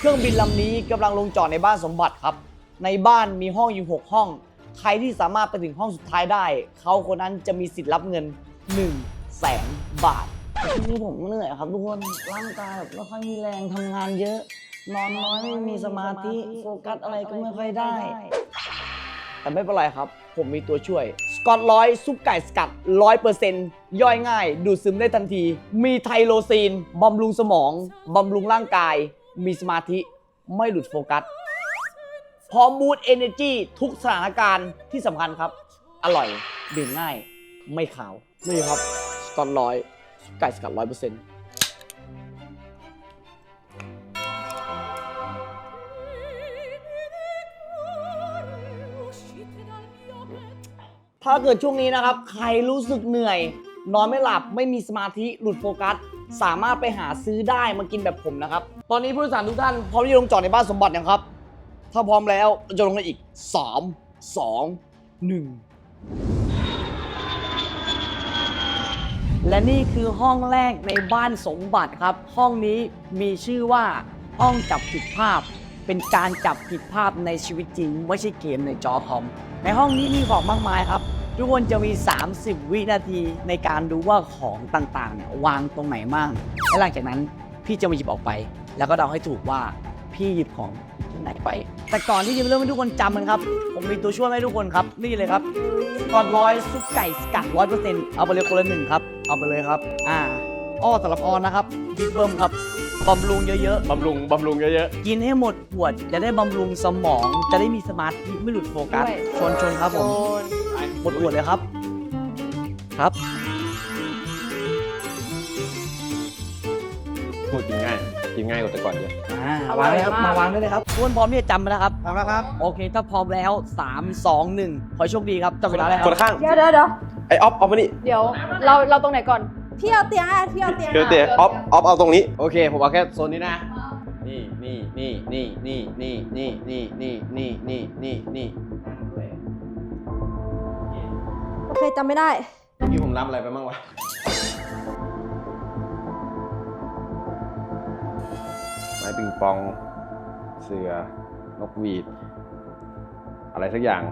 รื่องบินลำนี้กำลังลงจอดในบ้านสมบัติครับในบ้านมีห้องอยู่6ห้องใครที่สามารถไปถึงห้องสุดท้ายได้เขาคนนั้นจะมีสิทธิ์รับเงิน100,000 บาทช่วงนี้ผมเหนื่อยครับทุกคนร่างกายแบบไม่ค่อยมีแรงทำงานเยอะนอนน้อยไม่มีสมาธิโฟกัสอะไรก็ไม่ค่อยได้แต่ไม่เป็นไรครับผมมีตัวช่วยสกอต100ซุปไก่สกัด 100% ย่อยง่ายดูดซึมได้ทันทีมีไทโรซีนบำรุงสมองบำรุงร่างกายมีสมาธิไม่หลุดโฟกัสพร้อมบูสต์เอเนอร์จีทุกสถานการณ์ที่สำคัญครับอร่อยดื่มง่ายไม่ขาวนี่ครับสกอต100ซุปไก่สกัด 100% ถ้าเกิดช่วงนี้นะครับใครรู้สึกเหนื่อยนอนไม่หลับไม่มีสมาธิหลุดโฟกัสสามารถไปหาซื้อได้มากินแบบผมนะครับตอนนี้ผู้โดยสารทุกท่านพร้อมที่จะลงจอดในบ้านสมบัติยังครับถ้าพร้อมแล้วเราจะลงกันอีก3 2 1และนี่คือห้องแรกในบ้านสมบัติครับห้องนี้มีชื่อว่าห้องจับผิดภาพเป็นการจับผิดภาพในชีวิตจริงไม่ใช่เกมในจอคอมในห้องนี้มีของมากมายครับทุกคนจะมี30 วินาทีในการดูว่าของต่างๆเนี่ยวางตรงไหนมั่งและหลังจากนั้นพี่จะมาหยิบออกไปแล้วก็เดาให้ถูกว่าพี่หยิบของที่ไหนไปแต่ก่อนที่จะเริ่มให้ทุกคนจำมันครับผมมีตัวช่วยให้ทุกคนครับนี่เลยครับก่อน100ซุปไก่สกัด 100% เอาไปเลยคนละ1ครับเอาไปเลยครับสำหรับออนนะครับบิ๊กเบิ้มครับบำรุงเยอะๆบำรุงเยอะกินให้หมดขวดจะได้บำรุงสมองจะได้มีสมาธิไม่หลุดโฟกัสชนครับผมหมดขวดเลยครับครับๆพูดกินง่ายกว่าแต่ก่อนเยอะวางเลยครับมาวางได้เลยครับทุกคนพร้อมที่จะจำไปแล้วครับพร้อมแล้วครับโอเคถ้าพร้อมแล้ว3 2 1ขอโชคดีครับจับเวลาเลยคคนรับละข้างเดี๋ยวไอออฟมานี่เดี๋ยวเราตรงไหนก่อนพี่เอาเตียงอ่ะพี่เอาเตียงเดี๋ยวออฟเอาตรงนี้โอเคผมเอาแค่โซนนี้นะนี่โอเคจำไม่ได้ที่ผมรับอะไรไปบ้างวะไม้ปิงปองเสือนกหวีดอะไรสักอย่าง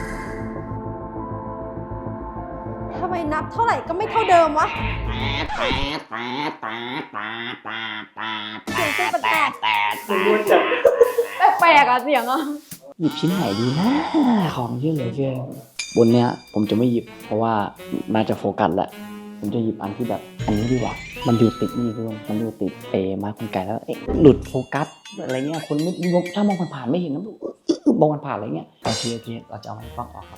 ทำไมนับเท่าไหร่ก็ไม่เท่าเดิมวะเสียงเป็นแปลกแปลกอะเสียงอะหยิบชิ้นไหนดีนะของเยอะเหลือเกินบนเนี้ยผมจะไม่หยิบเพราะว่าน่าจะโฟกัสแหละผมจะหยิบอันที่แบบอันนี้ดีกว่ามันอยู่ติดนี่ด้วยมันอยู่ติดไม้คนไก่แล้วหลุดโฟกัสอะไรเงี้ยคนไม่ถ้ามองผ่านๆไม่เห็นนะมองผ่านๆอะไรเงี้ยโอเคเราจะเอาไม้ฟังออกครับ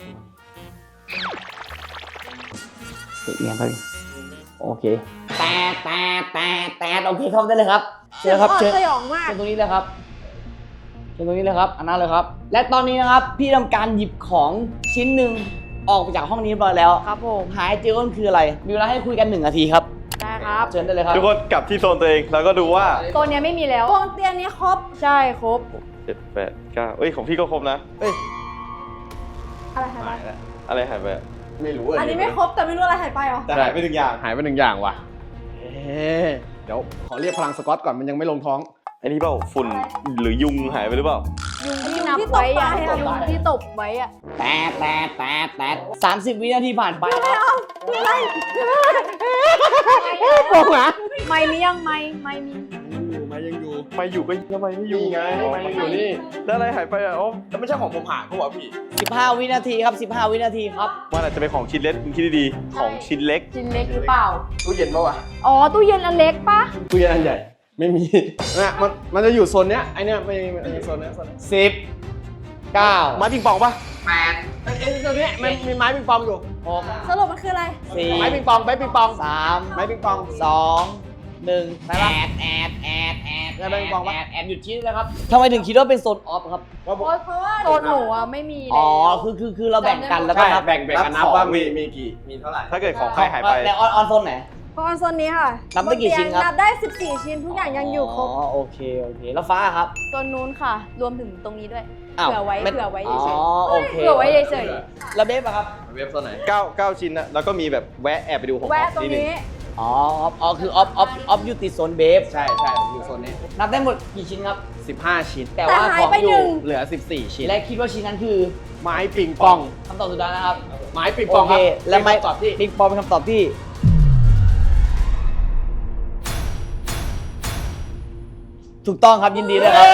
ติดเงี้ยไปโอเคแต่โอเคเข้าได้เลยครับเชิญครับเชิญสยองมากตรงนี้เลยครับเชิญตรงนี้เลยครับอันนั้นเลยครับและตอนนี้นะครับพี่ทำการหยิบของชิ้นหนึ่งออกไปจากห้องนี้เรียบร้อยแล้วครับผมหายเจอก็คืออะไรมีเวลาให้คุยกัน1 นาทีครับได้ครับเชิญได้เลยครับทุกคนกลับที่โซนตัวเองแล้วก็ดูว่าตัวเนี้ยไม่มีแล้ววงเตียงนี้ครบใช่ครบ 7 8 9เอ้ยของพี่ก็ครบนะเอ้ยอะไรหายไปอะไรหายไปไม่รู้อันนี้ไม่ครบแต่ไม่รู้อะไรหายไปเหรอแต่หายไป1 อย่างหายไป1 อย่างว่ะเดี๋ยวขอเรียกพลังสกอตก่อนมันยังไม่ลงท้องไอ้นี่เปล่าฝุ่นหรือยุงหายไปหรือเปล่ายุงที่นับไว้อะยุงที่ตบไว้อะแต่30 วินาทีผ่านไปครับอะไรบอกนะไม่มียังไม่มีไม่ยังอยู่ไม่อยู่ก็ทำไมไม่อยู่ไงไม่อยู่นี่แล้วอะไรหายไปอ่ะอ๋อแล้วไม่ใช่ของผมหายเพราะว่าพี่ 15 วินาทีครับ15 วินาทีครับว่าอาจจะเป็นของชิ้นเล็กคุณคิดดีๆของชิ้นเล็กชิ้นเล็กหรือเปล่าตู้เย็นปะวะอ๋อตู้เย็นอันเล็กปะตู้เย็นอันใหญ่ไม่มีนะมันจะอยู่โซนเนี้ยไอเนี้ยไม่มีโซนเนี้ย 10 9 ไม้ปิงปองปะ 8 ไอ้ตัวเนี้ยมันมีไม้ปิงปองอยู่สรุปมันคืออะไร 4 ไม้ปิงปองไม้ปิงปอง 3 ไม้ปิงปอง 2 1แอดหยุดชี้เลยครับทำไมถึงคิดว่าเป็นโซนออฟครับเพราะว่าโซนหนูอะไม่มีอ๋แล้อวคือเราแบ่งกันแล้วก็นับแบ่งกันนับว่ามีกี่มีเท่าไหร่ถ้าเกิดของใครหายไปแต่ออนโซนไหนเพราะว่าโซนนี้ค่ะนับได้กี่ชิ้นครับนับได้14 ชิ้นทุกอย่างยังอยู่ครบอ๋อโอเคแล้วฟ้าครับโซนนู้นค่ะ รวมถึงตรงนี้ด้วยอ้าวเผื่อไว้ไม่เผื่อไว้อ๋อเฉยโอเคๆเผื่อไว้เฉยแล้วเบฟอะครับเว็บโซนไหน9ชิ้นนะแล้วก็มีแบบแวะแอบไปดูของๆแวะตรงนี้อ๋อคือออฟอยู่ติดโซนเบฟใช่ผมอยู่โซนนี้นับได้หมดกี่ชิ้นครับ 15 ชิ้นแต่ว่าแต่หาขยองไปอหนึ่ยู่งเหลือ 14 ชิ้นและคิดว่าชิ้นนั้นคือไม้ปิงปองคำตอบสุดท้ายนะครับไม้ปิงปโอองเคครับและไม้เป็นคำตอบที่ปิงปองเป็นคำตอบที่ ถูกต้องครับยินดีด้วยครับ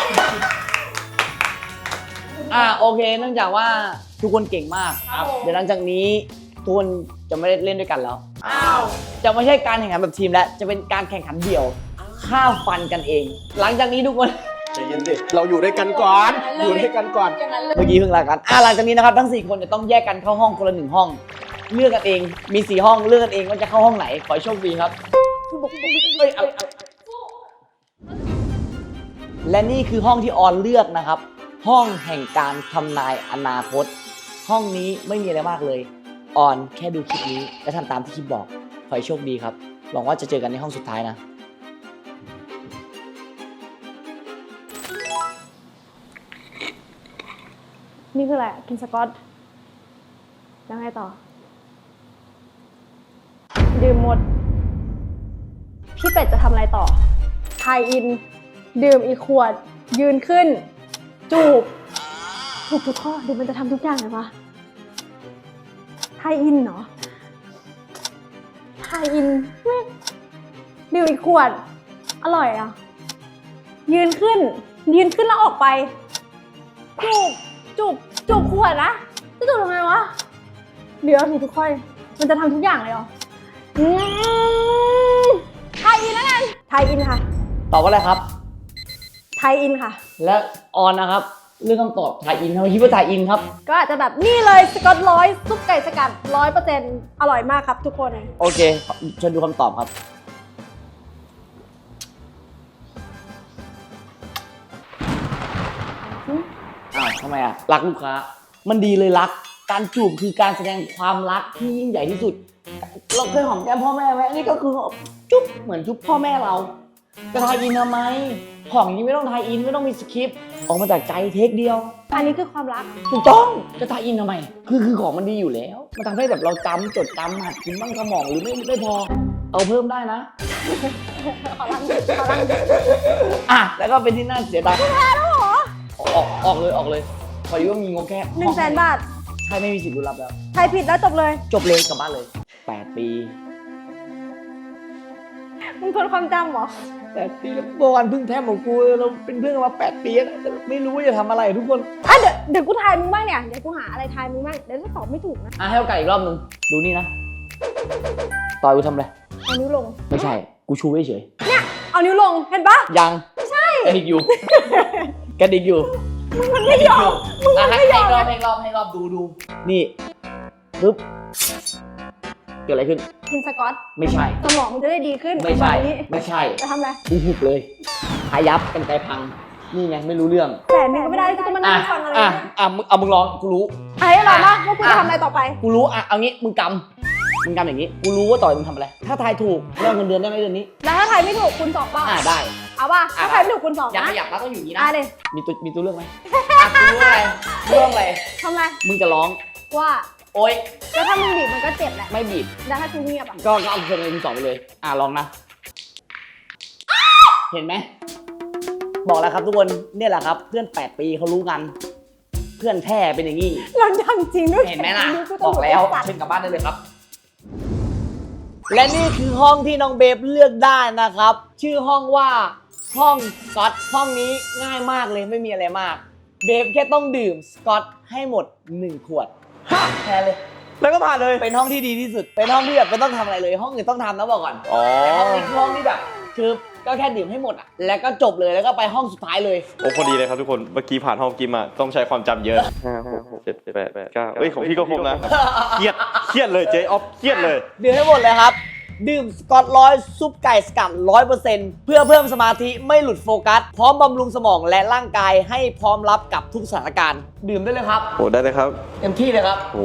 โอเค เนื่องจากว่าทุกคนเก่งมากครับเดี๋ยวหลังจากนี้ทุกคนจะไม่ได้เล่นด้วยกันแล้ว จะไม่ใช่การแข่งขันแบบทีมแล้ว จะเป็นการแข่งขันเดี่ยวฆ่าฟันกันเอง หลังจากนี้ทุกคนใจเย็นดิเราอยู่ด้วยกันก่อน อยู่ด้วยกันก่อนอย่างนั้นเลยเมื่อกี้เพิ่งลากันหลังจากนี้นะครับทั้ง 4 คนจะต้องแยกกันเข้าห้องคนละ1ห้อง เลือกกันเอง มี 4 ห้อง เลือกกันเองว่าจะเข้าห้องไหน ขอให้โชคดีครับ และนี่คือห้องที่ออนเลือกนะครับ ห้องแห่งการทำนายอนาคต ห้องนี้ไม่มีอะไรมากเลย ออนแค่ดูคลิปนี้และทำตามที่คลิปบอก ขอให้โชคดีครับ หวังว่าจะเจอกันในห้องสุดท้ายนะนี่คืออะไรอะกินสกอตแล้วไงต่อ ดื่มหมด พี่เป็ดจะทำอะไรต่อทายอิน ดื่มอีกขวด ยืนขึ้น จูบถูกทุกข้อดูมันจะทำทุกอย่างเลยวะทายอินเนาะทายอินแม่งดื่มอีกขวด อร่อยอ่ะ ยืนขึ้นแล้วออกไป จูบขวดนะจะจูบยังไงวะเดี๋ยวถูกทุกข้อมันจะทำทุกอย่างเลยเหรอไทยอินแล้วกันไทยอินค่ะตอบว่าอะไรครับไทยอินค่ะและออนนะครับ เรื่องคำตอบถ่ายอินทำไมคิดว่าถ่ายอินครับก็อาจจะแบบนี่เลยสกอตร้อยซุปไก่สกัด100%อร่อยมากครับทุกคนโอเคเชิญดูคำตอบครับทำไมรักลูกค้า มันดีเลยรัก การจูบคือการแสดงความรักที่ยิ่งใหญ่ที่สุด เราเคยหอมแก้มพ่อแม่ไหมอันนี้ก็คือจุ๊บเหมือนจุ๊บพ่อแม่เราจะทายอินทำไม ของนี้ไม่ต้องทายอินไม่ต้องมีสคริปต์ออกมาจากใจเทคเดียวอันนี้คือความรักถูกต้องจะทายอินทำไม คือของมันดีอยู่แล้ว มันทำให้แบบเราจำจดจำหัดกินบ้างสมองหรือไม่พอ เอาเพิ่มได้นะขอรังดิแล้วก็เป็นที่น่าเสียดายแพ้แล้วเหรอออกเลยพอดีว่ามีงบแค่ 100,000 บาทใช่ไม่มีสิทธิ์รุนรับแล้วใครผิดแล้วจบเลยจบเลยกลับบ้านเลย 8 ปีมึงทนความจำเหรอ 8 ปีแล้วเมื่อวานเพิ่งแทบของกูเราเป็นเพื่อนกันมา8 ปีแล้วแต่ไม่รู้ว่าจะทำอะไรทุกคนเดี๋ยวกูทายมึงบ้างเนี่ยเดี๋ยวกูหาอะไรทายมึงบ้างเดี๋ยวถ้าตอบไม่ถูกนะให้โอกาสอีกรอบนึงดูนี่นะต่อยกูทำอะไรเอานิ้วลงไม่ใช่กูชูเฉยเนี่ยเอานิ้วลงเห็นปะยังใช่กระดิกอยู่ กระดิกอยู่มึงมันไม่ยอมมึงมันไม่ยอมให้รอบดูนี่ปึ๊บเกิดอะไรขึ้นกินสกอตไม่ใช่สมองมันจะได้ดีขึ้นไม่ใช่วันนี้ไม่ใช่จะทำอะไรกูหุบเลยหายับกันไกลพังนี่ไงไม่รู้เรื่องแต่มึงก็ไม่ได้ที่จะมานั่งฟังอะไรเนี่ยมึงร้องกูรู้ไอ้หรอนะว่ากูจะทำอะไรต่อไปกูรู้เอางี้มึงกำอย่างนี้ กูรู้ว่าต่อยมึงทำอะไร ถ้าทายถูกเรื่องเงินเดือนได้ไหมเดือนนี้แล้วถ้าใครไม่ถูกคุณสองป่ะได้เอาป่ะถ้าใครไม่ถูกคุณสองยังนะไม่อยากรักต้องอยู่นี้นะเลยมีตัวเรื่องไหมกูรู้อะไรเรื่องอะไรทำไรมึงจะร้องว่าโอ๊ยแล้วถ้ามึงบีบมันก็เจ็บแหละไม่บีบแล้วถ้ากูเงียบอ่ะก็เอาเพลงเลยมึงสองไปเลย ลองนะ เห็นไหม บอกแล้วครับทุกคน เนี่ยแหละครับ เพื่อน 8 ปีเขารู้กัน เพื่อนแท้เป็นอย่างนี้เราดังจริงด้วยเห็นไหมล่ะกูบอกแล้วสัตว์เชิญกลับบ้านได้เลยครับ และนี่คือห้องที่น้องเบฟเลือกได้นะครับ ชื่อห้องว่าห้องสกอตห้องนี้ง่ายมากเลยไม่มีอะไรมาก เบฟแค่ต้องดื่มสกอตให้หมด 1 ขวดแค่เลยแล้วก็ผ่านเลยเป็นห้องที่ดีที่สุด เป็นห้องที่แบบไม่ต้องทำอะไรเลย ห้องอื่นต้องทำนะบอกก่อนอ๋อแต่ห้องนี้คือห้องที่แบบ คือก็แค่ดื่มให้หมดอ่ะ แล้วก็จบเลยแล้วก็ไปห้องสุดท้ายเลยโอ้พอดีเลยครับทุกคน เมื่อกี้ผ่านห้องกิมอ่ะต้องใช้ความจำเยอะ5 6 7 8 8 9เฮ้ยของพี่ก็ครบนะ เครียดเลยเจ๊ออฟเครียดเลยดื่มให้หมดเลยครับ ดื่มสกอตร้อยซุปไก่สกัด 100% เพื่อเพิ่มสมาธิไม่หลุดโฟกัส พร้อมบำรุงสมองและร่างกายให้พร้อมรับกับทุกสถานการณ์ ดื่มได้เลยครับโอ้ได้เลยครับเต็มที่เลยครับโอ้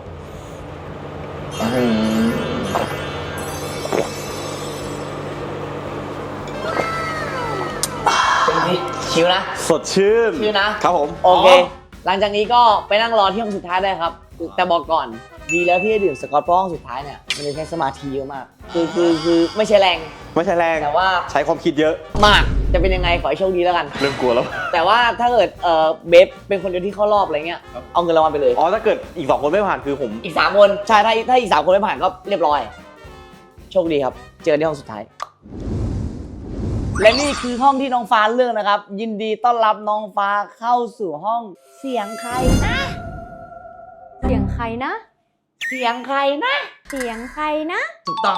เต็มที่ชิวนะสดชื่นชิวนะครับผมโอเค หลังจากนี้ก็ไปนั่งรอที่ห้องสุดท้ายได้ครับ แต่บอกก่อน ดีแล้วที่ได้ดื่มสกอตเพราะห้องสุดท้ายเนี่ยมันจะใช้สมาธิเยอะมากคือไม่ใช่แรงไม่ใช่แรงแต่ว่าใช้ความคิดเยอะมากจะเป็นยังไงขอให้โชคดีแล้วกันเริ่มกลัวแล้วแต่ว่าถ้าเกิดเบฟเป็นคนเดียวที่เข้ารอบอะไรเงี้ยเอาเงินรางวัลไปเลยอ๋อถ้าเกิดอีก2คนไม่ผ่านคือผมอีก3คนใช่ถ้าอีก3คนไม่ผ่านก็เรียบร้อย โชคดีครับ เจอกันที่ห้องสุดท้าย และนี่คือห้องที่น้องฟ้าเลือกนะครับ ยินดีต้อนรับน้องฟ้าเข้าสู่ห้องเสียงใครนะเสียงใครนะเสียงใครนะเสียงใครนะถูกต้อง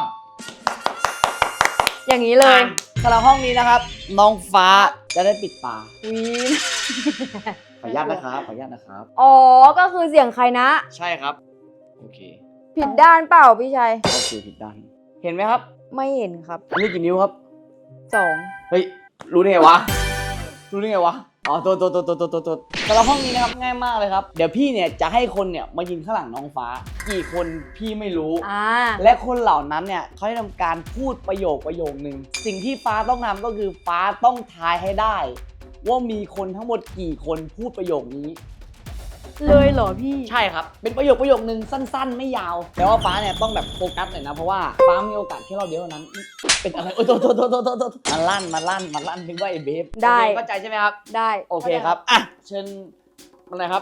อย่างนี้เลยสำหรับห้องนี้นะครับ น้องฟ้าจะได้ปิดตาวีนขออนุญาตนะครับขออนุญาตนะครับอ๋อ ก็คือเสียงใครนะใช่ครับโอเคผิดด้านเปล่าพี่ชัยโอเคผิดด้านเห็นไหมครับไม่เห็นครับอันนี้กี่นิ้วครับ 2 เฮ้ย รู้ได้ไงวะ รู้ได้ไงวะ อ๋อ ตัวแต่ละห้องนี้นะครับง่ายมากเลยครับ เดี๋ยวพี่เนี่ยจะให้คนเนี่ยมายืนข้างหลังน้องฟ้า กี่คนพี่ไม่รู้ และคนเหล่านั้นเนี่ยเขาจะทำการพูดประโยคหนึ่ง สิ่งที่ฟ้าต้องทำก็คือฟ้าต้องทายให้ได้ ว่ามีคนทั้งหมดกี่คนพูดประโยคนี้เลยเหรอพี่ใช่ครับ เป็นประโยคนึงสั้นๆ ไม่ยาว แต่ว่าฟ้าเนี่ยต้องแบบโฟกัสหน่อยนะ เพราะว่าฟ้ามีโอกาสแค่รอบเดียวเท่านั้น เป็นอะไร โอ้โตมันลั่นนึกว่าไอ้เบฟได้โอเคเข้าใจใช่ไหมครับได้โอเคครับ อ่ะ เชิญมาเลยครับ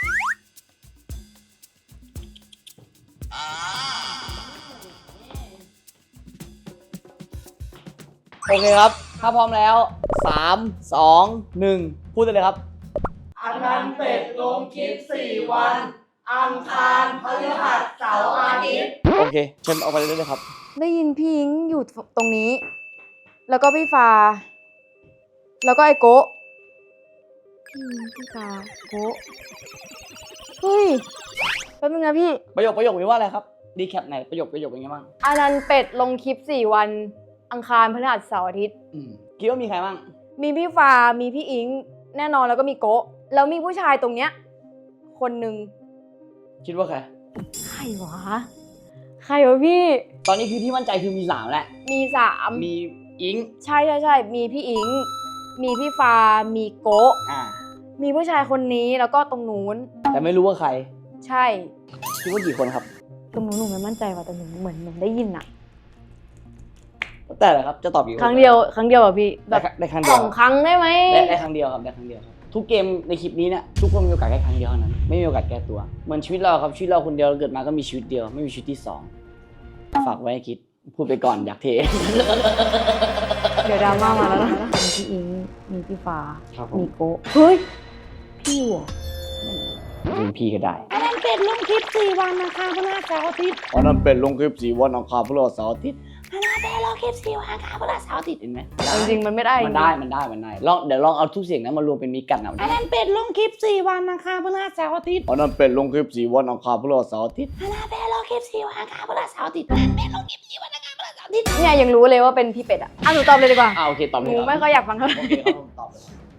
โอเคครับ ถ้าพร้อมแล้ว 3 2 1 พูดได้เลยครับอันนั้นเป็ดลงคลิป4 วัน อังคารพฤหัสเสาร์อาทิตย์โอเค เชิญออกไปเลยครับได้ยินพี่ยิงอยู่ตรงนี้ แล้วก็พี่ฟ้า แล้วก็ไอโกะพี่ยิงพี่ฟ้าโกะเฮ้ยแป๊บนึงนะพี่ประโยคมีว่าอะไรครับ ดีแคปไหนประโยคเป็นไงบ้างอันนั้นเป็ดลงคลิป4 วัน อังคารพฤหัสเสาร์อาทิตย์คิดว่ามีใครบ้างมีพี่ฟ้า มีพี่อิง แน่นอนแล้วก็มีโกะแล้วมีผู้ชายตรงเนี้ย คนหนึ่งคิดว่าใครใครวะ ใครวะพี่ตอนนี้คือที่มั่นใจคือมี3แหละมี3 มีอิงใช่มีพี่อิง มีพี่ฟ้า มีโกะ มีผู้ชายคนนี้แล้วก็ตรงนู้นแต่ไม่รู้ว่าใครใช่คิดว่ากี่คนครับตรงนู้นหนูไม่มั่นใจว่ะแต่หนูเหมือนได้ยินอะแต่เหรอครับ จะตอบกี่คนครั้งเดียวอะพี่แบบได้ครั้งเดีสยวองครั้งได้ไหมได้ครั้งเดียวครับได้ครั้งเดียวครับ ทุกเกมในคลิปนี้เนี่ยทุกคนมีโอกาสแค่ครั้งเดียวเท่านั้น ไม่มีโอกาสแก้ตัว เหมือนชีวิตเราครับ ชีวิตเราคนเดียวเราเกิดมาก็มีชีวิตเดียว ไม่มีชีวิตที่ 2 ฝากไว้ให้คิด พูดไปก่อนอยากเทเดี๋ยวดราม่ามาแล้วนะมีพี่อิง มีพี่ฟ้าครับผมมีโกะเฮ้ย พี่หัวเป็นพี่ก็ได้อันนั้นเป็ดลงคลิป4 วันนะคะพฤหัสเสาร์อาทิตย์อ๋อนั่นเป็นลงคลิป4 วันอังคารพฤหัสเสาร์อาทิตย์อันนั้นเป็นลงคลิป4 วันอังคารพฤหัสเสาร์อาทิตย์เห็นไหมจริงๆมันไม่ได้มันได้ลองเดี๋ยวลองเอาทุกเสียงนั้นมารวมเป็นมิกกันเอาอันนั้นเป็ดลงคลิป4 วันนะคะพฤหัสเสาร์อาทิตย์อ๋อนั่นเป็นลงคลิป4 วันอังคารพฤหัสเสาร์อาทิตย์อันนั้นเป็ดลงคลิป4 วันอังคารพฤหัสเสาร์อาทิตย์อันนั้นเป็ดลงคลิป4 วันอังคารพฤหัสเสาร์อาทิตย์เนี่ยยังรู้เลยว่าเป็นพี่เป็ดอะหนูตอบเลยดีกว่าโอเคตอบเลหยนูครับไม่ค่อยอยากฟังเท่าไหร่โอเคครับผมตอบเลย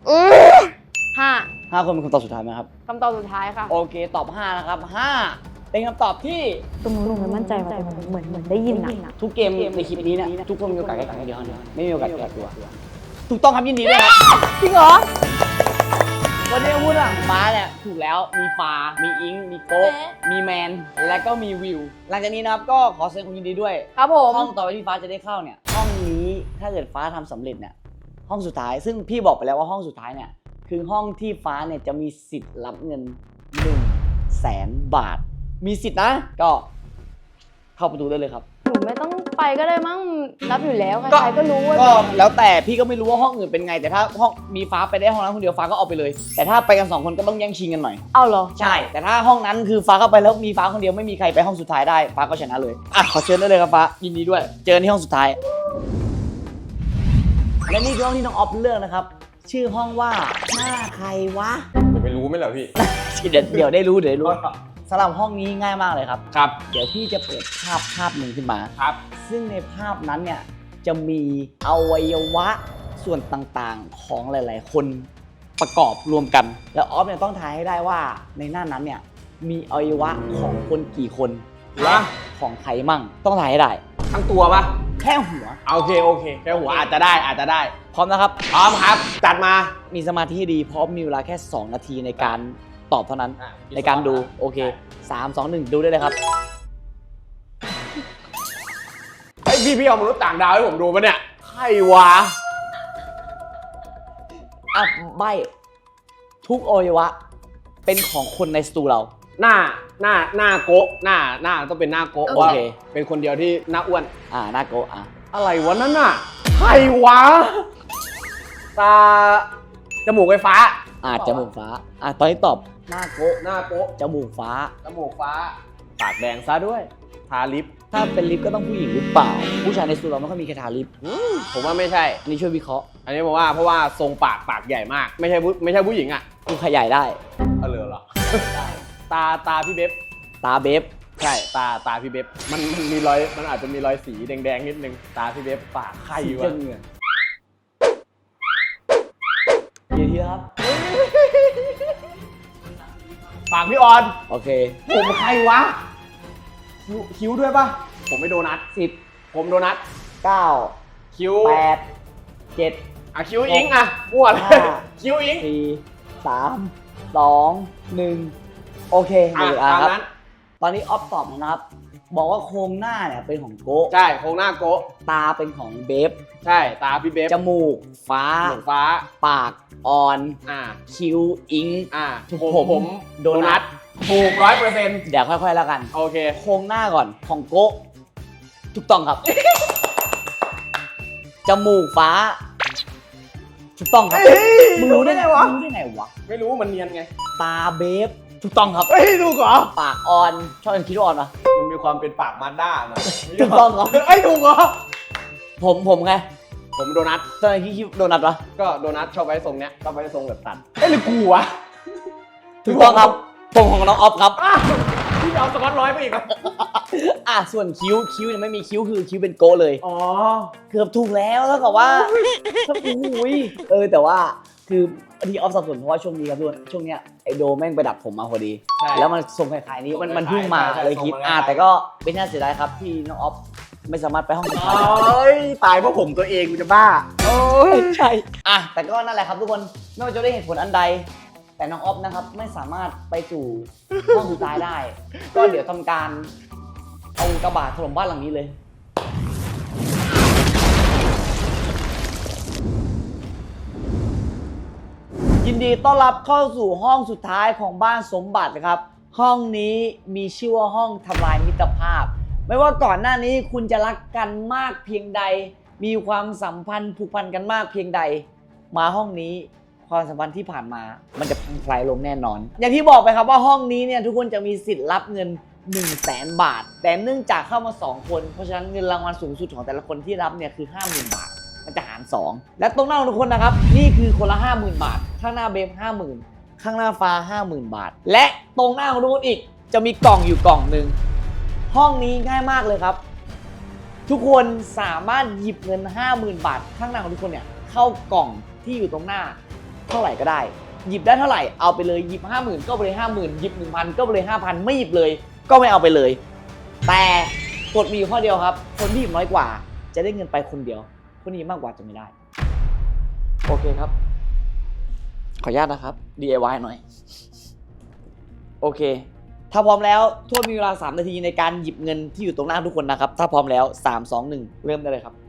5 5 คนเป็นคำตอบสุดท้ายไหมครับคำตอบสุดท้ายค่ะโอเคตอบ5นะครับ5เป็นคำตอบที่ตรงนู้นหนูไม่มั่นใจว่าแต่เหมือนได้ยินอะทุกเกมในคลิปนี้เนี่ยทุกคนมีโอกาสแค่ครั้งเดียวเท่านั้นไม่มีโอกาสแก้ตัว ถูกต้องครับยินดีด้วยครับจริงเหรอวันนี้พูดหลังฟ้าเนี่ยถูกแล้วมีฟ้ามีอิงมีโก๊ะมีแมนและก็มีวิว หลังจากนี้นะครับก็ขอแสดงความยินดีด้วยครับผมห้องต่อไปที่ฟ้าจะได้เข้าเนี่ยห้องนี้ถ้าเกิดฟ้าทำสำเร็จเนี่ยห้องสุดท้ายซึ่งพี่บอกไปแล้วว่าห้องสุดท้ายเนี่ยคือห้องที่ฟ้าเนี่ยจะมีสิทธิ์รับเงิน 100,000 บาท มีสิทธิ์นะก็เข้าประตูได้เลยครับหนูไม่ต้องไปก็ได้มั้งรับอยู่แล้วใครๆก็รู้ว่าก็แล้วแต่พี่ก็ไม่รู้ว่าห้องอื่นเป็นไงแต่ถ้าห้องมีฟ้าไปได้ห้องนั้นคนเดียวฟ้าก็เอาไปเลย แต่ถ้าไปกัน2 คนก็ต้องแย่งชิงกันหน่อยเอาเหรอใช่ แต่ถ้าห้องนั้นคือฟ้าเข้าไปแล้วมีฟ้าคนเดียวไม่มีใครไปห้องสุดท้ายได้ฟ้าก็ชนะเลยอ่ะขอเชิญได้เลยครับฟ้ายินดีด้วย เจอกันที่ห้องสุดท้าย และนี่คือห้องที่น้องออฟเลือกนะครับ ชื่อห้องว่าหน้าใครวะจะไปรู้ไหมเหรอพี่เดี๋ยวได้รู้สำหรับห้องนี้ง่ายมากเลยครับครับ เดี๋ยวพี่จะเปิดภาพหนึ่งขึ้นมาครับ ซึ่งในภาพนั้นเนี่ยจะมีอวัยวะส่วนต่างๆของหลายๆ คนประกอบรวมกัน แล้วออฟเนี่ยต้องทายให้ได้ว่าในหน้านั้นเนี่ยมีอวัยวะของคนกี่คนและของใครมั่งต้องทายให้ได้ทั้งตัวปะแค่หัวโอเคแค่หัวอาจจะได้พร้อมนะครับพร้อมครับ จัดมามีสมาธิให้ดีเพราะมีเวลาแค่ 2 นาทีในการตอบเท่านั้นอ่ะในการดูโอเค 3 2 1 ดูได้เลยครับไอ้ยพี่เอามนุษย์ต่างดาวให้ผมดูปะเนี่ยใครวะอ่ะใบทุกอวัยวะเป็นของคนในสตูเราหน้าโกะหน้าต้องเป็นหน้าโกะโอเคว่าเป็นคนเดียวที่หน้าอ้วนหน้าโกะอะไรวะนั่นน่ะใครวะตาจมูกไฟฟ้าจมูกฟ้าตอนนี้ตอบหน้าโกะหน้าโกะจมูกฟ้าจมูกฟ้าปากแดงซะด้วยทาลิปถ้าเป็นลิฟต์ก็ต้องผู้หญิงหรือเปล่า ผู้ชายในสตูเราไม่ค่อยมีใครทาลิฟต์ผมว่าไม่ใช่อันนี้ช่วยวิเคราะห์อันนี้ผมว่าเพราะว่าทรงปากใหญ่มาก ไม่ใช่ผู้หญิงอ่ะคุณขยายได้เหรอ ตาพี่เบ๊บตาเบฟใช่ตาพี่เบ๊บมันมีรอยมันอาจจะมีรอยสีแดงๆนิดนึงตาพี่เบ๊บปากใครวะเงินเยอะๆครับปากพี่ออนโอเคผมใครวะคิ้วด้วยปะผมไม่โดนัท 10 ผมโดนัท 9 คิ้ว 8 7 อ่ะคิ้วอิงอ่ะมั่วเลยห้าคิ้วอิง 4 3 2 1 โอเคหมดเวลาตามครับนั้นตอนนี้ออฟตอบนะครับ บอกว่าโครงหน้าเนี่ยเป็นของโกะใช่โครงหน้าโกะตาเป็นของเบฟใช่ตาพี่เบ๊บจมูกฟ้าหมวกฟ้าปากออน คิ้วอิงผมโดนัทถูก100% เดี๋ยวค่อยๆแล้วกันโอเคโครงหน้าก่อนของโกะถูกต้องครับ จมูกฟ้า ถูกต้องครับมึงรู้ได้ไงวะไม่รู้มันเนียนไงตาเบฟถูกต้องครับถูกเหรอปากออนชอบคิดว่าออนปะมันมีความเป็นปากมารด้าหน่อยถูกต้องครับถูกเหรอผมไงผมโดนัทตอนนี้คิดโดนัทปะก็โดนัทชอบไว้ทรงเนี้ยชอบไว้ทรงแบบตัดหรือกูวะถูกต้องครับผมของน้องออฟครับพี่เอาสกอตร้อยไปอีกครับส่วนคิ้วเนี่ยไม่มีคิ้วคือคิ้วเป็นโกะเลยอ๋อเกือบถูกแล้วเท่ากับว่าโอ้ยแต่ว่าคือที่ออฟสับสนเพราะว่าช่วงนี้ครับทุกคนช่วงเนี้ยไอโดแม่งไปดับผมมาพอดีใช่แล้วมันทรงคล้ายๆนี้มันเพิ่งมาใช่เลยคิดทรงมันคล้ายแต่ก็ไม่น่าเสียดายครับที่น้องออฟไม่สามารถไปห้องสุดโอท้ายได้้ยตายเพราะผมตัวเองกูจะบ้า โอ้ยใช่แต่ก็นั่นแหละครับทุกคนไม่ว่าจะได้เหตุผลอันใด แต่น้องออฟนะครับไม่สามารถไปสู่ห้องสุดท้ายได้ ก็เดี๋ยวทำการเอากระบะถล่มบ้านหลังนี้เลย ยินดีต้อนรับเข้าสู่ห้องสุดท้ายของบ้านสมบัตินะครับ ห้องนี้มีชื่อว่าห้องทำลายมิตรภาพ ไม่ว่าก่อนหน้านี้คุณจะรักกันมากเพียงใด มีความสัมพันธ์ผูกพันกันมากเพียงใด มาห้องนี้ความสัมพันธ์ที่ผ่านมา มันจะพังทลายลงแน่นอน อย่างที่บอกไปครับว่าห้องนี้เนี่ยทุกคนจะมีสิทธิ์รับเงิน 100,000 บาท แต่เนื่องจากเข้ามา2คนเพราะฉะนั้นเงินรางวัลสูงสุดของแต่ละคนที่รับเนี่ยคือ 50,000 บาท มันจะหาร 2 และตรงหน้าของทุกคนนะครับนี่คือคนละ 50,000 บาท ข้างหน้าเบฟ 50,000 ข้างหน้าฟ้า 50,000 บาท และตรงหน้าของทุกคนอีกจะมีกล่องอยู่กล่องหนึ่งห้องนี้ง่ายมากเลยครับ ทุกคนสามารถหยิบเงิน 50,000 บาท ข้างหน้าของทุกคนเนี่ยเข้ากล่องที่อยู่ตรงหน้าเท่าไหร่ก็ได้ หยิบได้เท่าไหร่เอาไปเลยหยิบ 50,000 ก็ไปเลย 50,000 หยิบ 1,000 ก็ไปเลย 5,000 ไม่หยิบเลยก็ไม่เอาไปเลย แต่กฎมีอยู่ข้อเดียวครับคนที่หยิบน้อยกว่าจะได้เงินไปคนเดียวคนที่หยิบมากกว่าจะไม่ได้โอเคครับขออนุญาตนะครับ DIY หน่อยโอเคถ้าพร้อมแล้วโทษมีเวลา3 นาทีในการหยิบเงินที่อยู่ตรงหน้าทุกคนนะครับถ้าพร้อมแล้ว3 2 1เริ่มได้เลยครับ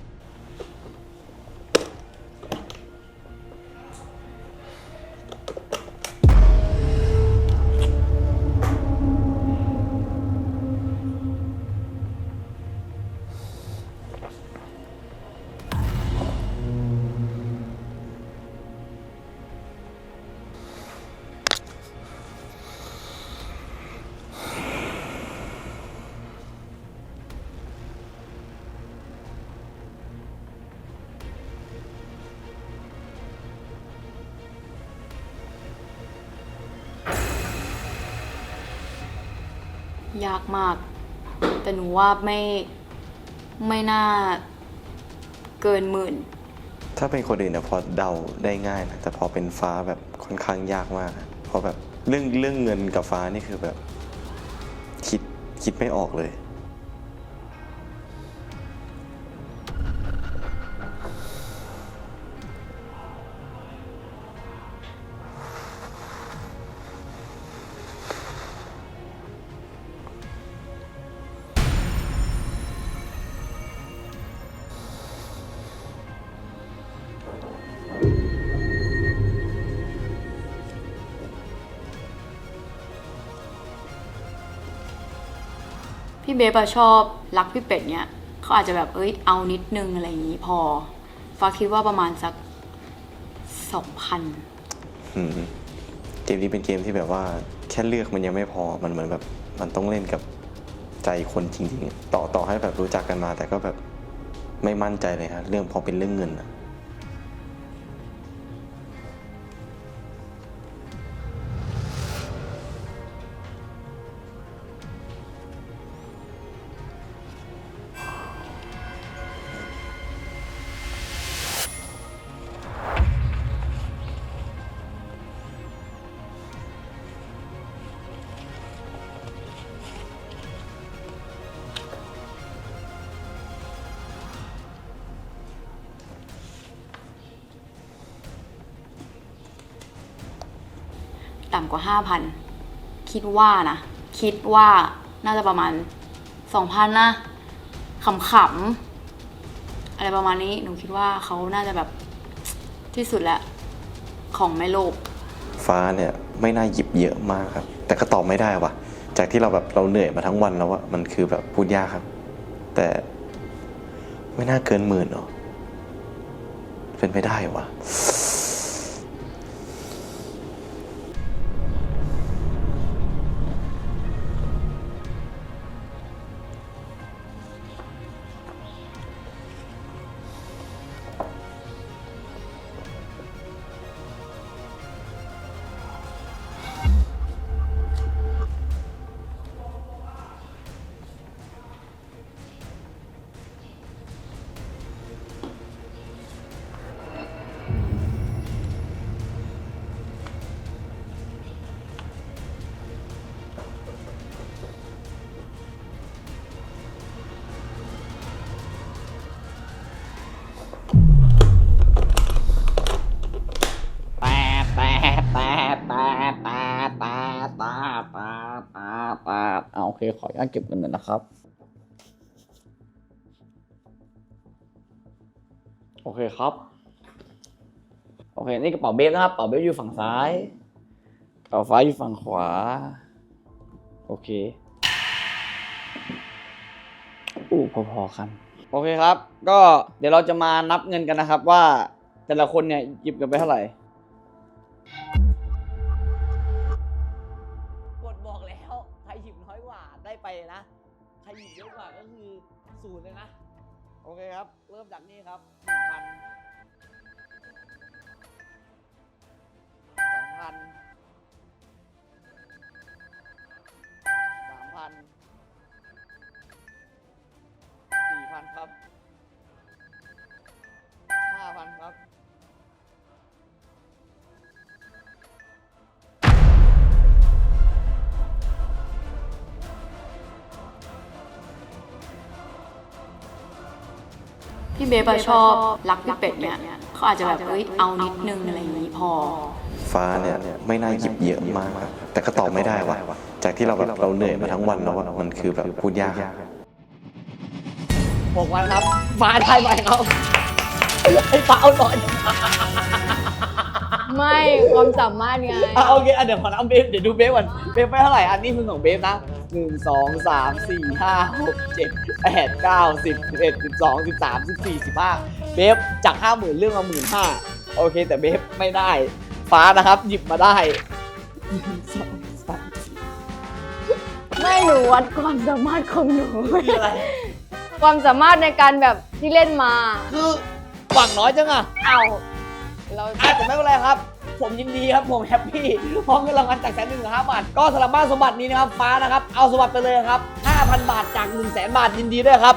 ยากมาก แต่หนูว่าไม่น่าเกิน10,000 ถ้าเป็นคนอื่นเนี่ยพอเดาได้ง่ายนะแต่พอเป็นฟ้าแบบค่อนข้างยากมากนะเพราะแบบเรื่องเงินกับฟ้านี่คือแบบคิดไม่ออกเลยพี่เบฟอะชอบรักพี่เป็ดเนี่ยเขาอาจจะแบบเอานิดนึงอะไรอย่างนี้พอฟ้าคิดว่าประมาณสัก 2,000 เกมนี้เป็นเกมที่แบบว่าแค่เลือกมันยังไม่พอมันเหมือนแบบมันต้องเล่นกับใจคนจริงๆต่อให้แบบรู้จักกันมาแต่ก็แบบไม่มั่นใจเลยฮะเรื่องพอเป็นเรื่องเงินอะต่ำกว่า 5,000 คิดว่าน่าจะประมาณ 2,000 นะขำๆอะไรประมาณนี้หนูคิดว่าเขาน่าจะแบบที่สุดแล้วของแม่โลกฟ้าเนี่ยไม่น่าหยิบเยอะมากครับแต่ก็ตอบไม่ได้ว่ะจากที่เราเหนื่อยมาทั้งวันแล้วว่ามันคือแบบพูดยากครับแต่ไม่น่าเกิน10,000หรอเป็นไปได้วะโอเคขออนุญาตเก็บเงินหน่อยนะครับโอเคครับโอเคนี่กระเป๋าเบฟนะครับกระเป๋าเบฟอยู่ฝั่งซ้ายกระเป๋าฟ้าอยู่ฝั่งขวาโอเคพอๆกันโอเคครับก็เดี๋ยวเราจะมานับเงินกันนะครับว่าแต่ละคนเนี่ยหยิบกันไปเท่าไหร่กดบอกแล้วใครหยิบน้อยกว่าได้ไปเลยนะใครหยิบเยอะกว่าก็คือ0เลยนะโอเคครับเริ่มจากนี่ครับ 1,000 2,000 3,000 4,000 ครับ 5,000 ครับพี่เบฟอะชอบรักพี่เป็ดเนี่ยเขาอาจจะแบบเอานิดนึงอะไรอย่างนี้พอฟ้าเนี่ยไม่น่าหยิบเยอะมากครับแต่ก็ตอบไม่ได้ว่ะจากที่เราเหนื่อยมาทั้งวันแล้วว่ามันคือแบบพูดยากครับ 6,000 ครับฟ้าได้ไหมครับให้ฟ้าเอาหน่อยไม่ความสามารถไงโอเคเดี๋ยวขอนับเบฟเดี๋ยวดูเบฟก่อนเบฟไปเท่าไหร่อันนี้คือของเบฟนะ1 2 3 4 5 6 7 8 9 10 11 12 13 14 15เบฟจาก 50,000เรื่องมา 15,000โอเคแต่เบฟไม่ได้ฟ้านะครับหยิบมาได้1 2 3 ไม่หนูวัดความสามารถของหนูคืออะไรความสามารถในการแบบที่เล่นมาคือหวังน้อยจังอะเอาเราแต่ไม่เป็นไรครับ ผมยินดีครับผมแฮปปี้เพราะเงินรางวัลจาก100,000 ถึง 5,000 บาทก็สำหรับบ้านสมบัตินี้นะครับฟ้านะครับเอาสมบัติไปเลยครับ 5,000 บาทจาก 100,000 บาทยินดีด้วยครับ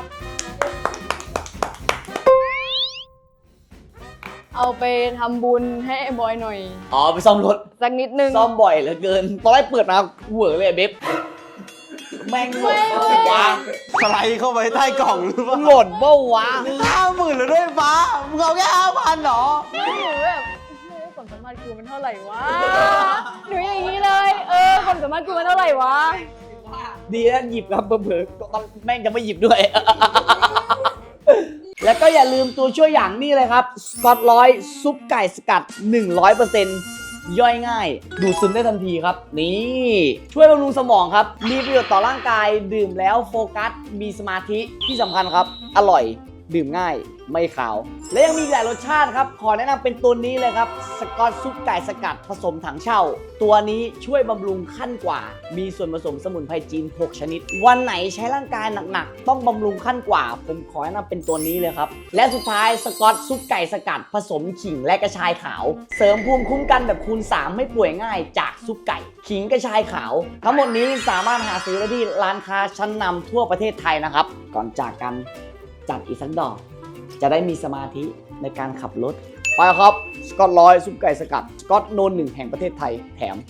เอาไปทำบุญให้ไอ้บอยหน่อยอ๋อไปซ่อมรถสักนิดนึงซ่อมบ่อยเหลือเกินตอนแรกเปิดมาเหวอเลยเบบแม่งหล่นเปล่าวะสไลด์เข้าไปใต้กล่องหรือเปล่าหล่นเปล่าวะ 50,000เลยด้วยฟ้ามึงเอาแค่5,000หรอหนูแบบความสามารถกูมันเท่าไหร่วะ หนูอย่างนี้เลย ความสามารถกูมันเท่าไหร่วะดีนะหยิบครับเผลอๆก็แม่งจะไม่หยิบด้วย แล้วก็อย่าลืมตัวช่วยอย่างนี้เลยครับสกอตร้อยซุปไก่สกัด 100% ย่อยง่าย ดูดซึมได้ทันทีครับ นี่ช่วยบำรุงสมองครับมีประโยชน์ต่อร่างกายดื่มแล้วโฟกัสมีสมาธิที่สำคัญครับอร่อยดื่มง่ายไม่ขาว และยังมีหลายรสชาติครับขอแนะนำเป็นตัวนี้เลยครับสกอตซุปไก่สกัดผสมถังเช่าตัวนี้ช่วยบำรุงขั้นกว่ามีส่วนผสมสมุนไพรจีน6ชนิดวันไหนใช้ร่างกายหนักๆต้องบำรุงขั้นกว่าผมขอแนะนำเป็นตัวนี้เลยครับและสุดท้ายสกอตซุปไก่สกัดผสมขิงและกระชายขาวเสริมภูมิคุ้มกันแบบคูณ3ไม่ป่วยง่ายจากซุปไก่ขิงกระชายขาวทั้งหมดนี้สามารถหาซื้อได้ที่ร้านค้าชั้นนำทั่วประเทศไทยนะครับก่อนจากกันจัดอีกสักดอกจะได้มีสมาธิในการขับรถไปครับสกอตร้อยซุปไก่สกัดสกอตโนน1แห่งประเทศไทยแถม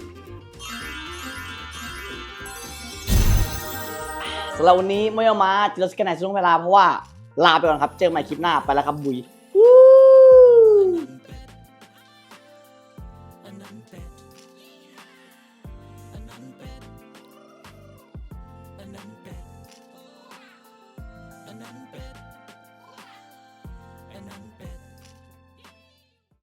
สำหรับวันนี้ไม่เอามาจะลดสแกนไหนช่วงเวลาเพราะว่าลาไปก่อนครับเจอกันใหม่คลิปหน้าไปแล้วครับบุย